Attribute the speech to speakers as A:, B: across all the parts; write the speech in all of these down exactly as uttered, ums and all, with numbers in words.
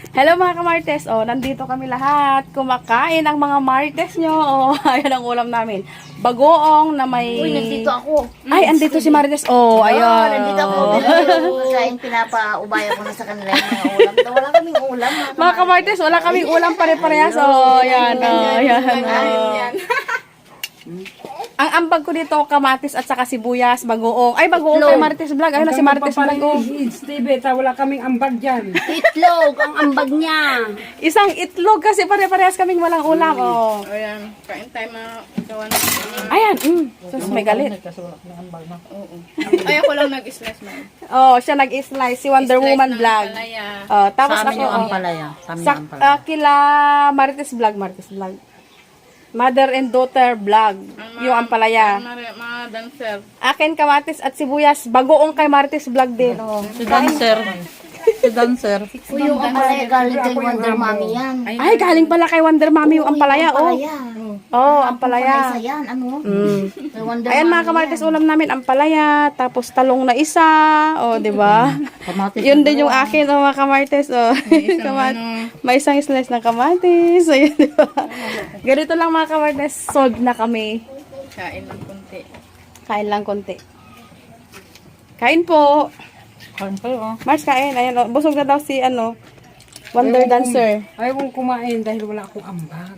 A: Hello mga kamartes. Oh, nandito kami lahat. Kumakain ang mga martes nyo. Oh, ayan ang ulam namin. Bagoong na may...
B: Uy, nandito ako.
A: Ay, andito si Marites. Oh,
B: Ayun.
A: ayan.
B: Nandito ako. Kaya pinapa-ubaya ko na sa kanila yung mga ulam. Wala kaming ulam.
A: Mga kamartes, wala kaming ulam pare-parehas. Oh, ayan. Oh, ayan. Oh. Ang ambag ko dito, kamatis at saka sibuyas, bagoong. Ay, bagoong kay Marites Vlog. Ayun na si Marites Vlog. Oh.
C: Steve, wala kaming ambag dyan.
B: Itlog, ang ambag niya.
A: Isang itlog kasi pare-parehas kaming walang ulam. Oh.
D: Ayan, kain tayo mga gawa ng...
A: Ayan. Mm. Sus, may galit.
D: Ay, ako lang nag-slice man.
A: Oh, siya nag-slice. Si Wonder
D: Slice
A: Woman
D: ng
A: Vlog.
D: palaya.
A: Oh, tapos
B: Sa
A: ako,
B: amin yung
A: oh,
B: ampalaya. Sa amin
A: sa,
B: yung ampalaya.
A: ah, kila Marites Vlog, Marites Vlog. Mother and daughter vlog. Yung ampalaya.
D: Mga, mga dancer.
A: Akin kamatis at sibuyas. Bagoong kay Marites Vlog din. Oh.
B: Si dancer. Si dancer. Uy, yung ampalaya galing kay Wonder Mommy yan.
A: Ay, galing pala kay Wonder Mommy yung ampalaya. Oh, oh, ampalaya.
B: Ampalaya yan, ano?
A: Mm.
B: Kay Wonder
A: Ayan mga
B: Mommy
A: kamarites,
B: yan.
A: ulam namin ampalaya, tapos talong na isa, oh, di ba?
B: Kamatis
A: Yun
B: na
A: din yung
B: dalawa.
A: akin, oh, mga kamarites, oh. Kamat- may isang slice ng kamatis, ayun, di ba? Ganito lang mga kamarites, solve na kami.
D: Kain ng kunti.
A: Kain lang konti. Kain po.
B: Kain kayo, oh.
A: Mars, kain. Ayan, oh. Busog na daw si, ano, Wonder Dancer.
C: Ayaw kong kumain dahil wala akong ambag.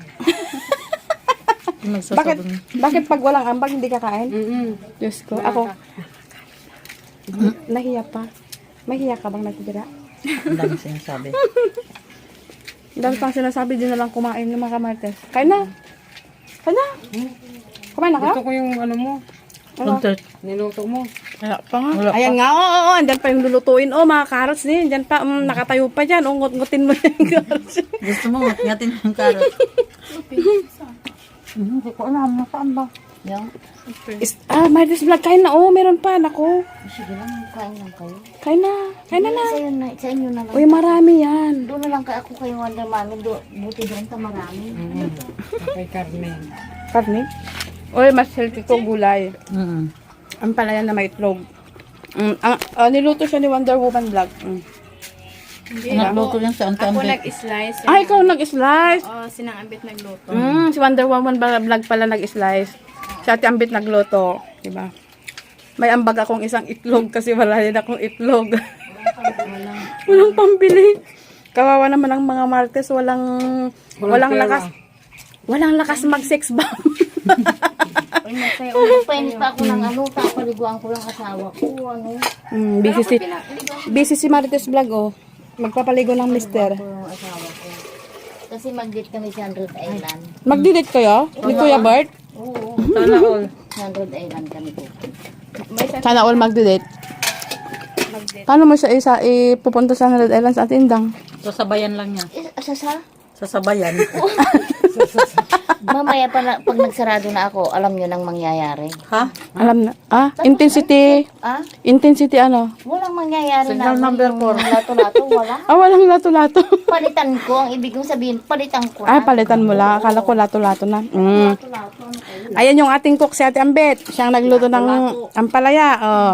A: Bakit, bakit pag walang ambag, hindi ka kain?
C: Mm-mm.
A: Diyos ko, ako. Nahiya pa. Mahiya ka bang natitira?
B: Ang dami sinasabi.
A: Ang dami pang sinasabi, din na lang kumain ng mga kamartes. Kain na. Kain na. Kumain na ka?
C: Gusto ko yung ano mo,
A: Ano?
C: niluto mo.
A: Wala pa nga. Ayan nga, oo, oo, andyan pa yung lulutuin. Oh, mga carrots din. Andyan pa, um, nakatayo pa dyan. Oh, ngut-ngutin mo yung carrots.
B: Gusto mo, ngatin yung carrot. Hindi ko alam, nasaan ba? Yan.
A: Is, ah, Marites Vlog, kain na. Oh, meron pa. Nako.
B: Sige lang, kain lang kayo.
A: Kain na. Kain na na.
B: Sa, yun na, sa inyo na lang.
A: Uy, marami yan.
B: Doon na lang ka ako kay Wonder Mommy. Do, buti doon ta marami.
C: Kay Carmen.
A: Karne? Uy, mas healthy ko gulay.
B: Mm-hmm.
A: Ang palaya na may itlog. Mm, ang, ah, niluto siya ni Wonder Woman Vlog. Mm.
D: Hindi
B: Nagluto
D: ako,
B: yan sa
D: ako
B: Antambit.
D: nag-slice.
A: Ah, ikaw nag-slice.
D: Oo, sinang ambit nagluto.
A: Mm, si Wonder Woman ba- Vlog pala nag-slice. Si Ate Ambit nagluto. Diba? May ambag akong isang itlog kasi wala din akong itlog. Walang pambili. Kawawa naman ang mga martes. Walang, walang,
C: pera.
A: lakas. Walang lakas mag-sex bomb.
B: Uy, masaya. Uy, painis pa ako ng ano. Tapaliguan ko yung asawa ko. Ano?
A: mm, busy, si, busy si Marites Vlog, oh. Magpapaligo ng mister.
B: Ko yung asawa ko. Kasi mag-date kami sa Hundred Island.
A: Mag-delete kayo? Ni Kuya Bert?
B: Oo.
C: Sana all.
B: Sa Hundred Island kami po.
A: Sana all mag-delete. Paano mo siya isa ipupunta sa Hundred Islands at Indang?
B: Sasabayan lang niya. Eh, sa sa? Sasabayan. Mamaya pa na, pag nagsarado na ako, alam nyo nang mangyayari. Ha?
A: Alam na. Ah, intensity.
B: Ah?
A: Intensity ano?
B: Walang mangyayari
C: Signal
B: na.
C: number four.
B: Lato-lato, wala.
A: Ah, walang lato-lato.
B: Palitan ko. Ang ibig kong sabihin, palitan ko.
A: Ah, palitan mo lang. Akala ko lato-lato na. Mm.
B: Lato-lato. Ano kayo?
A: Ayan yung ating cook, si Ate Ambet. Siyang nagluto ng ampalaya. Oh.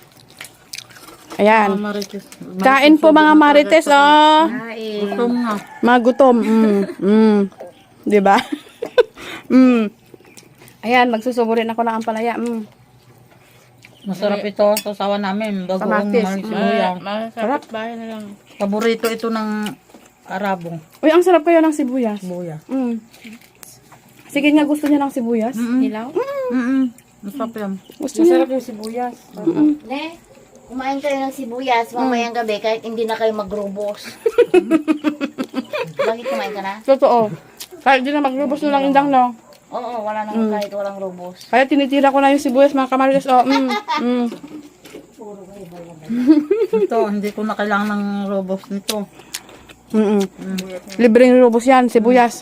A: Ayan. Kain po mga marites, oh.
B: Gutom nga.
A: Mga gutom. Mm. Mm. Di ba? mm. Ayan, magsusuburin ako ng ampalaya. Mm.
B: Masarap ito sa sawa namin. Bagoong
A: Kamatis.
B: malisuya.
D: Masarap bahay na lang.
B: Paborito ito ng Arabong.
A: Uy, ang sarap kayo ng sibuyas.
B: Buya.
A: Mm. Sige nga, gusto niya ng sibuyas.
D: Hilaw?
B: Mm-mm. Masarap yan.
A: Gusto niya.
C: Masarap yung sibuyas.
B: Ne, kumain kayo ng sibuyas mamayang gabi kahit hindi na kayo magrubos. Bakit kumain ka na?
A: Totoo. Kahit di na maglubos na lang indang, no?
B: Oo, wala nang kahit walang rubos.
A: Kaya tinitira ko na yung sibuyas, mga kamarites. Oh, mm, mm.
B: Ito, hindi ko na kailangan ng robos nito.
A: Mm, mm. Libreng lubos yan, sibuyas.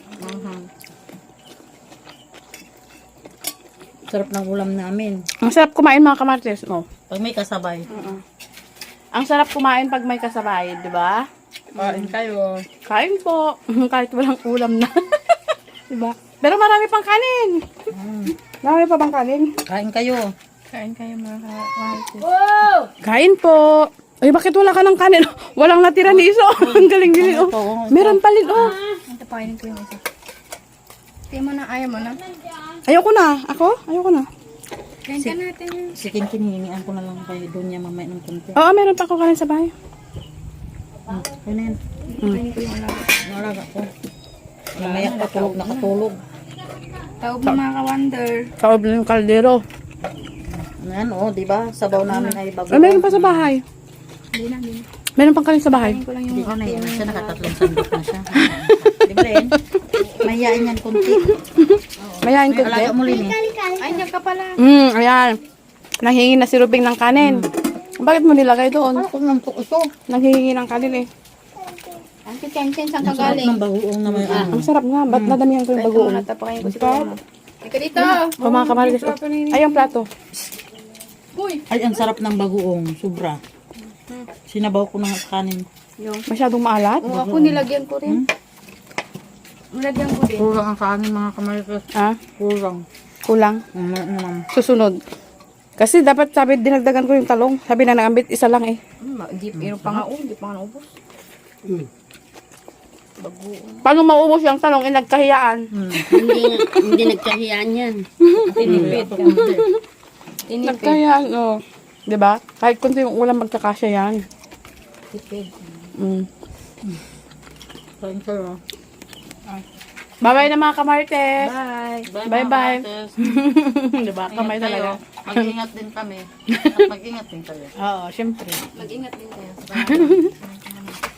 B: Sarap ng ulam namin.
A: Ang sarap kumain, mga kamarites. Oh.
B: Pag may kasabay.
A: Ang sarap kumain pag may kasabay, di ba?
C: Kain kayo.
A: Kain po. Kahit walang ulam na. di ba? Pero marami pang kanin. Marami pa bang kanin?
B: Kain kayo.
D: Kain kayo mga kamarites.
A: Kain po. Ay, bakit wala ka ng kanin? Walang natira ni Iso. Ang galing-galing, oh. Meron pa rin, oh.
D: Ito, pakainin ko yung isa. Tingin mo na, ayaw mo na.
A: Ayoko na. Ako? Ayoko na.
D: Kain ka natin.
E: Si Kinkin, hihingian ko na lang kay Donya mamaya ng konti.
A: Oo, meron pa ako kanin sa bahay.
E: Kaya na yan.
D: Kainin ko yung alaga.
E: Nalaga ko. Mamaya patulog na katulog.
D: Tawag mo mga ka-wonder.
A: Kaob na yung kaldero.
E: Ano yan, oh, di ba? Sabaw namin ay bago.
A: Ay, meron pa sa bahay.
D: Hindi na, hindi na.
A: Meron pang kanin sa bahay.
D: Kainin ko lang yung
E: Hindi ko na yan. Siya nakatatlong sandok na siya. Di ba rin? Mahihain yan konti.
A: Mayain ko,
E: Alaga mo rin eh.
D: Ay, niya ka pala.
A: Hmm, ayan. Nanghingi na si Rubing ng kanin. Bakit mo nilagay doon?
E: Ano kung nantok ito?
A: Nanghihingi ng kanin eh.
D: Ang kitchen, saan ka
E: Sarap
D: galing?
E: ng bagoong na may ano.
A: Ang sarap nga. Ba't nadamihan ko yung
D: Ito
A: bagoong?
D: muna, tapakayin ko si Mama. Ika dito.
A: O mga kamarites. oh. Ay, yung plato.
D: Uy.
E: Ay, ang sarap ng bagoong. Sobra. Sinabaw ko na sa kanin.
D: Yung.
A: Masyadong maalat.
D: Oo, ako nilagyan ko rin. Nilagyan ko din.
E: Kulang ang kanin mga kamarites.
A: Ah,
E: Kulang.
A: kulang.
E: Ano naman.
A: Susunod. Kasi dapat sabi, dinagdagan ko yung talong. Sabi na nangambit, isa lang eh.
D: Hmm, Di, meron pa nga, oh, di pa nga naubos.
A: Paano maubos yung talong? Eh, nagkahiyaan.
B: Hindi, hindi nagkahiyaan yan.
E: Tinipid.
D: Tinipid.
A: Nagkahiyaan, oh. Diba? Kahit kunti yung ulam magkakasya yan.
E: Tipid.
A: Mm.
E: Kain kayo.
A: Bye-bye na mga kamarites.
D: Bye.
A: Bye-bye.
E: Marites.
A: diba? Kamay talaga.
E: Mag-ingat din kami. At mag-ingat din kayo.
A: Oo, syempre.
D: Mag-ingat din kayo.